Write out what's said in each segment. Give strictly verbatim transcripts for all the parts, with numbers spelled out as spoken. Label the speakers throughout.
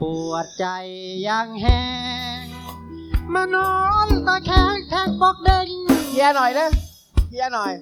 Speaker 1: ปวดใจยังแห้งมานอนตะแคงแทงปอกเด้ง
Speaker 2: เฮียหน่อยนะเฮียหน่อย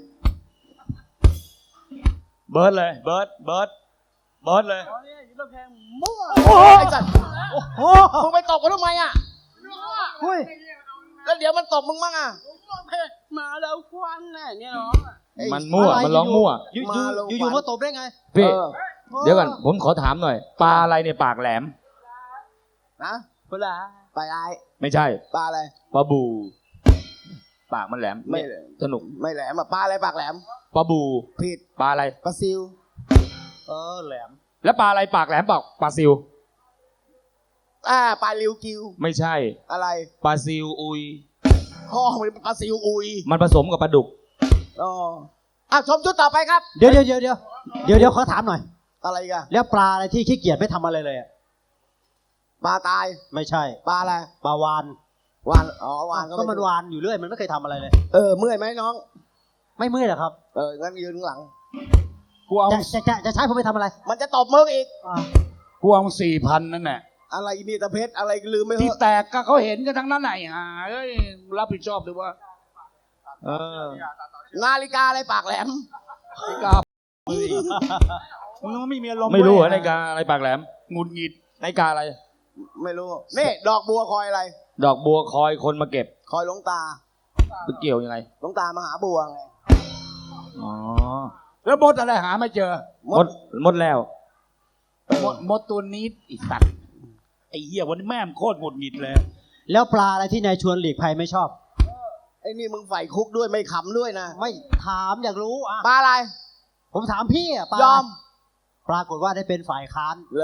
Speaker 3: เบิร์ดเลยเบิร์ดเบิร์ดเบิร์ดเลย
Speaker 2: มั่วไอ้สัตว์
Speaker 1: โอ้โห
Speaker 2: มึงไปตบกันทำไมอ่ะ
Speaker 1: เฮ้ย
Speaker 2: แล้วเดี๋ยวมันตบมึงมั่งอ่ะ
Speaker 4: มาแล้วควันน่ะเนี่ยน้อง
Speaker 3: มันมั่วมันร้องมั่ว
Speaker 1: อยู่
Speaker 2: มาลง
Speaker 1: อยู่อยู่มาตบได้ไง
Speaker 3: พี่
Speaker 2: เออ
Speaker 3: เดี๋ยวก่อนผมขอถามหน่อย ปลาอะไรเนี่ยปากแหลม
Speaker 2: นะ
Speaker 4: เวลา
Speaker 2: ปลาอะไร
Speaker 3: ไม่ใช่
Speaker 2: ปลาอะไร
Speaker 3: ปลาบู ปากมันแหลม
Speaker 2: ไม่
Speaker 3: เนี่ยสนุก
Speaker 2: ไม่แหลมอ่ะปลาอะไรปากแหลม
Speaker 3: ปลาบู
Speaker 2: ผิด
Speaker 3: ปลาอะไร
Speaker 2: ปลาซิว
Speaker 1: เออแหลม
Speaker 3: แล้วปลาอะไรปากแหลมปากปลาซิว
Speaker 2: อ่าปลาลิวกิว
Speaker 3: ไม่ใช่
Speaker 2: อะไร
Speaker 3: ปลาซิวอุย
Speaker 2: พ่อมันปลาซิวอุย
Speaker 3: มันผสมกับปลาดุก
Speaker 2: อ๋ออ่ะชมชุดต่อไปครับ
Speaker 1: เดี๋ยวเดี๋ยวเดี๋ยวเดี๋ยวเดี๋ยวเดี๋ยวขอถามหน่อย
Speaker 2: อะไรอีกัน
Speaker 1: แล้วปลาอะไรที่ขี้เกียจไม่ทำอะไรเลยอะ
Speaker 2: ปลาตาย
Speaker 1: ไม่ใช่
Speaker 2: ปลาอะไร
Speaker 1: ปลาวาน
Speaker 2: วานอ๋อวาน
Speaker 1: ก็มัน
Speaker 2: ไ
Speaker 1: วานอยู่เรื่อยมันไม่เคยทำอะไรเลย
Speaker 2: เออเมื่อยไหมน้อง
Speaker 1: ไม่เมื่อยเหรอครับ
Speaker 2: เอองั้นยืนข้างหลัง
Speaker 3: กูเอา
Speaker 1: จะจะจะจะใช้ผมไปทำอะไร
Speaker 2: มันจะตบมึงอีก
Speaker 1: อ่า
Speaker 3: กูเอาสี่พันนั่นแหละ
Speaker 2: อะไรนี่ตะเพชรอะไรลืมไม่เห
Speaker 3: ที่
Speaker 2: อะ
Speaker 3: แตกก็เขาเห็นกันทั้งนั้นไหนอ่ะเอ้ยรับผิดชอบด้วยว่า เออ
Speaker 2: นาฬิกาอะไรปากแหลม
Speaker 3: นาฬิกามึงไม่มีอารมณ์ไม่รู้เหรอนาฬิกาอะไรปากแหลมงุดหงิดนาฬิกาอะไร
Speaker 2: ไม่รู้ นี่ดอกบัวคอยอะไร
Speaker 3: ดอกบัวคอยคนมาเก็บ
Speaker 2: คอยหลวงตา
Speaker 3: มันเกี่ยวยังไง
Speaker 2: หลวงตามาหาบัวไง
Speaker 3: อ๋อ
Speaker 5: แล้วมดอะไรหาไม่เจอ
Speaker 3: หมดหมดแล้ว
Speaker 5: มดมดตัวนี้ไอีสัตว์ไอ้เหี้ยวันนี้แม่มโคตรหงุดหงิดเลย
Speaker 1: แล้วปลาอะไรที่นายชวนหลีกภัยไม่ชอบ
Speaker 2: ไอ้นี่มึงใฝ่คุกด้วยไม่ขำด้วยนะ
Speaker 1: ไม่ถามอยากรู้อ่ะ
Speaker 2: ปลาอะไร
Speaker 1: ผมถามพี่อ่ะปลาย
Speaker 2: อม
Speaker 1: ปรากฏว่าได้เป็นฝ่ายค้าน
Speaker 2: เลย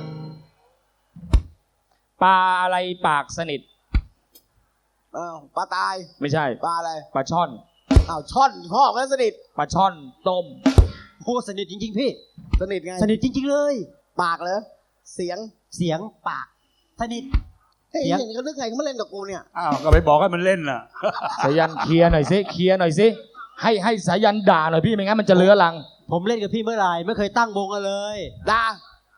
Speaker 3: ปลาอะไรปากสนิท
Speaker 2: อ้าวปลาตาย
Speaker 3: ไม่ใช่
Speaker 2: ปลาอะไร
Speaker 3: ปลาช่อน
Speaker 2: อ้าวช่อนพ่อแล้วสนิท
Speaker 3: ปลาช่อนต้ม
Speaker 1: โอ้สนิทจริงๆพี่
Speaker 2: สนิทไง
Speaker 1: สนิทจริงๆเลย
Speaker 2: ปากเลยเสียง
Speaker 1: เสียงปาก สนิท
Speaker 2: เฮ้ย
Speaker 1: เสียง
Speaker 2: เห็นเขาเลือกใครเขามาเล่นกับกูเนี่ย
Speaker 5: อ้าว ก็ไปบอกให้มันเล่นน่ะ
Speaker 3: สายันเคลียร์หน่อยสิเคลียร์หน่อยสิให้ให้สายันด่าหน่อยพี่ไม่งั้นมันจะเลื้อรัง
Speaker 1: ผมเล่นกับพี่เมื่อไหร่ไม่เคยตั้งวงกันเลย
Speaker 2: ดา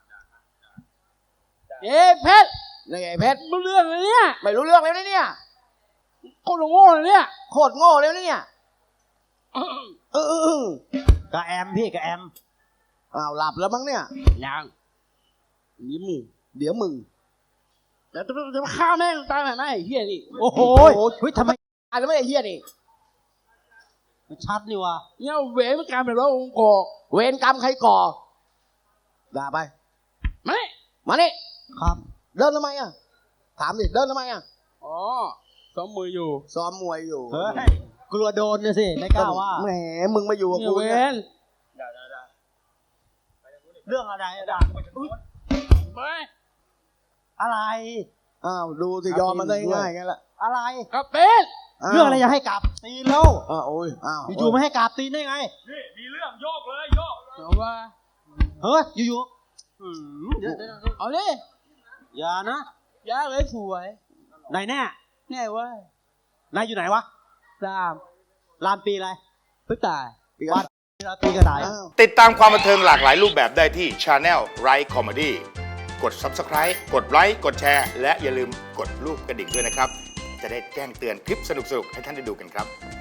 Speaker 4: เอ๊ะเพชร
Speaker 2: นี่ไงเพชร
Speaker 4: มึงเรื่องอะไรเนี่ย
Speaker 2: ไม่รู้เรื่องเลยนะเนี่ย
Speaker 4: โคตรโง่เลยเนี่ย
Speaker 2: โคตรโง่เลยนะเนี่ยเออเออเออก
Speaker 1: ระแอมพี่กระแอม
Speaker 2: อ้าวหลับแล้วมั้งเนี่ย
Speaker 4: ยังนี่มึง
Speaker 2: เดี๋ยวมึง
Speaker 4: เดี๋ยวจะจะฆ่าแม่งตายแบบไหนไอ้เหี้ยนี่
Speaker 1: โอ้โหเฮ้ยทำไม
Speaker 2: อ่านแล้วไม่ได้เฮียนี่
Speaker 1: มันชัดนี่วะ
Speaker 4: เนี่ยเวรมันกลายเป็นว่าองค์กร
Speaker 2: เวรกรรมใครก่อด่าไป
Speaker 4: ไม่
Speaker 2: มานี่
Speaker 1: ครับ
Speaker 2: เดินทำไมอ่ะ ถามดิเดินทำไมอ่ะ
Speaker 4: อ๋อซ้อมมืออยู่
Speaker 2: ซ้อมมวยอยู่
Speaker 1: เฮ้ยกลัวโดนนะสิไม่กล้าว่า
Speaker 2: แหมมึงมาอยู่กับ
Speaker 4: เนี่ย
Speaker 2: กู
Speaker 4: เว
Speaker 2: เนี่ย
Speaker 4: ร
Speaker 1: เรื่องอะไรอะด่า
Speaker 4: ไม่
Speaker 1: อะไร
Speaker 2: อ้าวดูสิยอมมันได้ง่ายๆงั้นแหละ
Speaker 1: อะไร
Speaker 4: กับเป็น
Speaker 1: เรื่องอะไรอย่าให้กลับตีนแล้ว
Speaker 2: อ้าวโอ้ยอ้าว
Speaker 1: อยู่ๆไม่ให้กลับตีนได้ไง
Speaker 3: มีเรื่องโยกเลยโยก
Speaker 4: เอาว่า
Speaker 1: เฮ้ยอยู่ๆอืมเดี๋ยวเดี๋ยวเดี๋ยว
Speaker 4: เอาเลย
Speaker 1: อย่านะ
Speaker 4: ยาเลยสวย
Speaker 1: ไหนแน่
Speaker 4: แน่เว้ย
Speaker 1: นายอยู่ไหนวะ
Speaker 4: ตาม
Speaker 1: ลานปีอะไร
Speaker 4: เพื่อตาย
Speaker 2: ปีกัน
Speaker 1: ลานปีกระต่าย
Speaker 2: อ้าว
Speaker 6: ติดตามความบันเทิงหลากหลายรูปแบบได้ที่ Channel Right Comedy กด Subscribe กดไลค์กดแชร์และอย่าลืมกดรูปกระดิ่งด้วยนะครับ จะได้แจ้งเตือนคลิปสนุกๆ ให้ท่านได้ดูกันครับ